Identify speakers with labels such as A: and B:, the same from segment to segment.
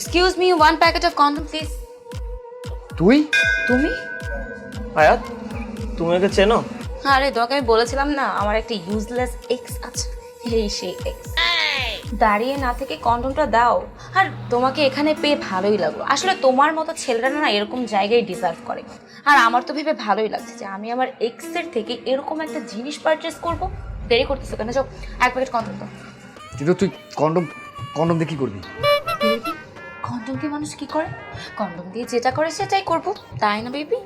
A: Excuse me, one packet of condom please.
B: তুই?
A: তুমি?
C: আয়াত, তুমি ওকে চেনো?
A: আরে তোমাকে আমি বলেছিলাম না আমার একটা ইউজলেস এক্স আছে, এই সেই এক্স। দাঁড়িয়ে না থেকে কন্ডমটা দাও। আর তোমাকে এখানে পেয়ে ভালোই লাগলো। আসলে তোমার মতো ছেলেরা না এরকম জায়গায় ডিজার্ভ করে। আর আমার তো ভেবে ভালোই লাগছে যে আমি আমার এক্সের থেকে এরকম একটা জিনিস পারচেস করব। দেরি করতেছো কেন? যাও এক প্যাকেট কন্ডম দাও।
B: কিন্তু তুই কন্ডম কন্ডম দিয়ে কি করবি?
A: বেবি, কন্ডম দিয়ে মানুষ কি করে? কন্ডম দিয়ে যেটা করে সেটাই করব, তাই না বেবি?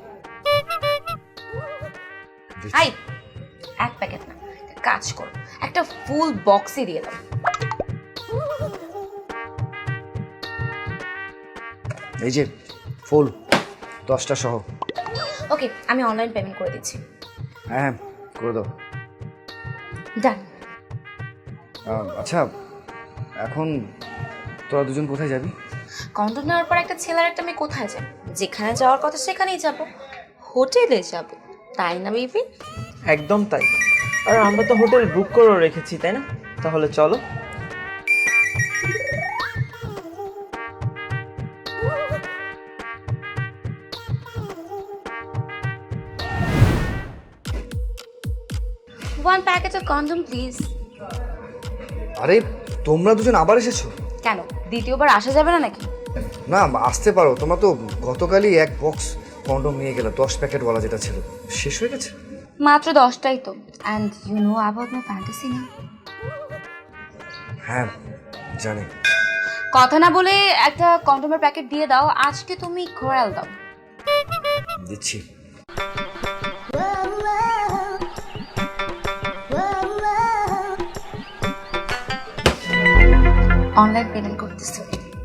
A: আই, এক প্যাকেট না, একটা কাজ করো, একটা ফুল বক্সই দিয়ে দাও।
B: এই যে ফুল 10টা সহ।
A: ওকে, আমি অনলাইন পেমেন্ট করে দিচ্ছি।
B: হ্যাঁ করে দাও।
A: ডান।
B: আচ্ছা এখন তোরা দুজন কোথায় যাবি?
A: কন্ডম নেওয়ার পর একটা ছেলের একটা মেয়ে কোথায় যাবে? যেখানে যাওয়ার কথা সেখানেই যাব, হোটেলে যাব, তাই না বেবি?
C: একদম তাই। আর আমরা তো হোটেল বুক করে রেখেছি, তাই না? তাহলে চলো।
A: One packet of condom please.
B: আরে তোমরা দুজন আবার এসেছো?
A: কেন, দ্বিতীয়বার আসা যাবে না নাকি?
B: না আসতে পারো, তোমরা তো গতকালই এক বক্স কন্ডম নিয়ে গেলে 10 প্যাকেট বলা যেটা ছিল শেষ হয়ে গেছে।
A: মাত্র 10টাই তো। And you know about my fantasy না?
B: হ্যাঁ জানি।
A: কথা না বলে একটা কন্ডমের প্যাকেট দিয়ে দাও। আজকে তুমি ঘোরাল দাও।
B: দিচ্ছি।
A: অনলাইন পেমেন্ট করতেছি।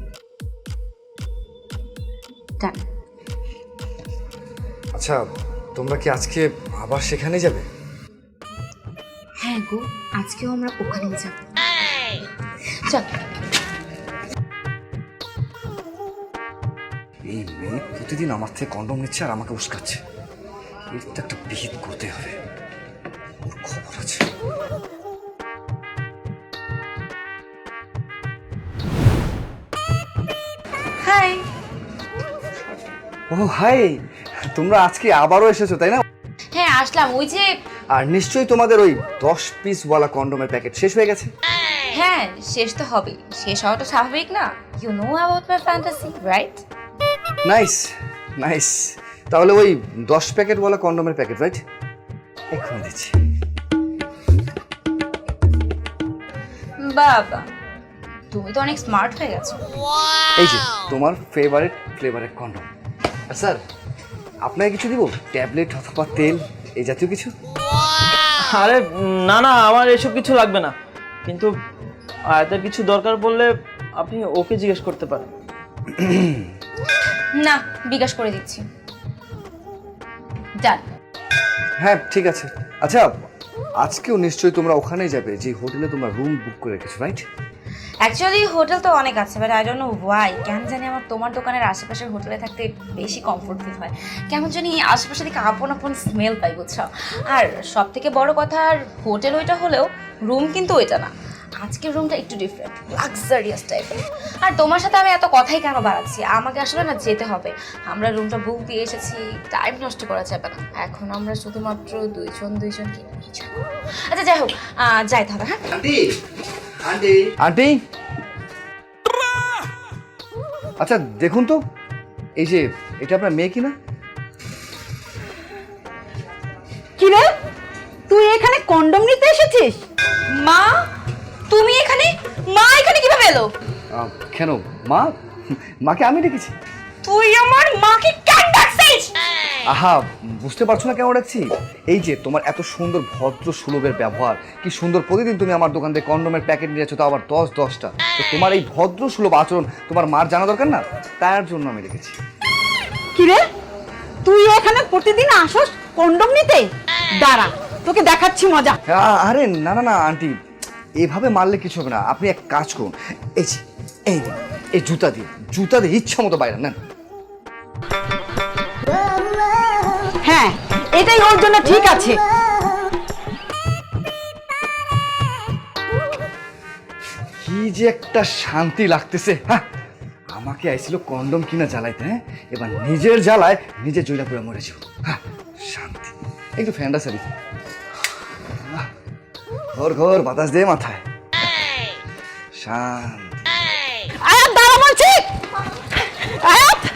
A: ডান।
B: আচ্ছা তোমরা কি আজকে আবার সেখানে যাবে?
A: হ্যাঁ গো, আজকেও আমরা ওখানেই যাব। চল।
B: এই মেয়ে প্রতিদিন আমার থেকে কন্ডম নিচ্ছে আর আমাকে উস্কাচ্ছে। এর তো একটা বিহিত করতে হবে, ওর খবর আছে।
A: হাই।
B: ও হাই, তোমরা আজকে আবারও এসেছো তাই না?
A: হ্যাঁ আসলাম। ওই যে
B: আর নিশ্চয়ই তোমাদের ওই 10 পিস ওয়ালা কন্ডমের প্যাকেট শেষ হয়ে গেছে।
A: হ্যাঁ, শেষ তো হবেই। শেষ হওয়াটা স্বাভাবিক না? You know about my fantasy, right?
B: Nice nice. তাহলে ওই 10 প্যাকেট ওয়ালা কন্ডমের প্যাকেট, রাইট? এখন দিচ্ছি।
A: বাবা, তুমি তো অনেক স্মার্ট হয়ে গেছো।
B: এই যে তোমার ফেভারিট ফ্লেভারের কন্ডম। আর স্যার আপনাকে কিছু দিব? ট্যাবলেট অথবা তেল এই জাতীয় কিছু?
C: আরে না না, আমার এসব কিছু লাগবে না। কিন্তু আয়াতের কিছু দরকার পড়লে আপনি ওকে জিজ্ঞেস করতে পারেন।
A: না, বিকাশ করে দিচ্ছি। ডান।
B: হ্যাঁ ঠিক আছে। আচ্ছা আজকেও নিশ্চয়ই তোমরা ওখানেই যাবে যে হোটেলে তোমরা রুম বুক করে রেখেছো, রাইট?
A: অ্যাকচুয়ালি হোটেল তো অনেক আছে, but I don't know why, কেন জানি আমার তোমার দোকানের আশেপাশের হোটেলে থাকতে বেশি কমফোর্ট ফিল হয়। কেমন জানি আশেপাশে দিকে আপন আপন স্মেল পাই, বুঝছো? আর সব থেকে বড় কথা, আর হোটেল ওইটা হলেও রুম কিন্তু ওইটা না। আজকের রুমটা একটু ডিফারেন্ট, লাক্সারিয়াস টাইপের। আর তোমার সাথে আমি এত কথাই কেন বাড়াচ্ছি? আমাকে আসলে না যেতে হবে। আমরা রুমটা বুক দিয়ে এসেছি, টাইম নষ্ট করা যাবে না। এখন আমরা শুধুমাত্র দুইজনকে এনজয় করব। আচ্ছা যাই হোক, যাই তাহলে। হ্যাঁ
B: আন্টি আন্টি আন্টি, আচ্ছা দেখুন তো, এই যে এটা আপনার মেয়ে কিনা?
D: কি রে, তুই এখানে কন্ডম নিতে এসেছিস?
A: মা, তুমি এখানে? মা এখানে কিভাবে এলো?
B: কেন মা? মাকে আমি ডেকেছি।
A: তুই আমার মাকে কেন ডাকছিস?
B: আহা বুঝতে পারছো না কেন ডাকছি? এই যে তোমার এত সুন্দর ভদ্র সুলভের ব্যবহার, কি সুন্দর প্রতিদিন তুমি আমার দোকান থেকে কন্ডমের প্যাকেট নিয়ে যাচ্ছ, তো আবার 10-10টা। তো তোমার এই ভদ্র সুলভ আচরণ তোমার মার জানা দরকার না? তার জন্য আমি ডেকেছি।
D: কি রে, তুই এখানে প্রতিদিন আসস কন্ডম নিতে? দাঁড়া, তোকে দেখাচ্ছি মজা।
B: আরে না না না আন্টি, এভাবে মারলে কিছু হবে না। আপনি এক কাজ করুন, এই যে এই নিন, এই জুতা দিয়ে ইচ্ছা মতো বাইরে নেন।
D: হ্যাঁ, এটাই ওর জন্য ঠিক আছে।
B: কি যে একটা শান্তি লাগতেছে। হ্যাঁ আমাকে আইছিল কন্ডম কিনা জ্বালাইতে, হ্যাঁ এবার নিজের জ্বালায় নিজে জয়লা করে মরেছি। হ্যাঁ শান্তি। একটু ফ্যানটা সারি, ঘর ঘর বাতাস দিয়ে মাথায় শান্তি।
D: আয়াত দাঁড়া বলছি, আয়াত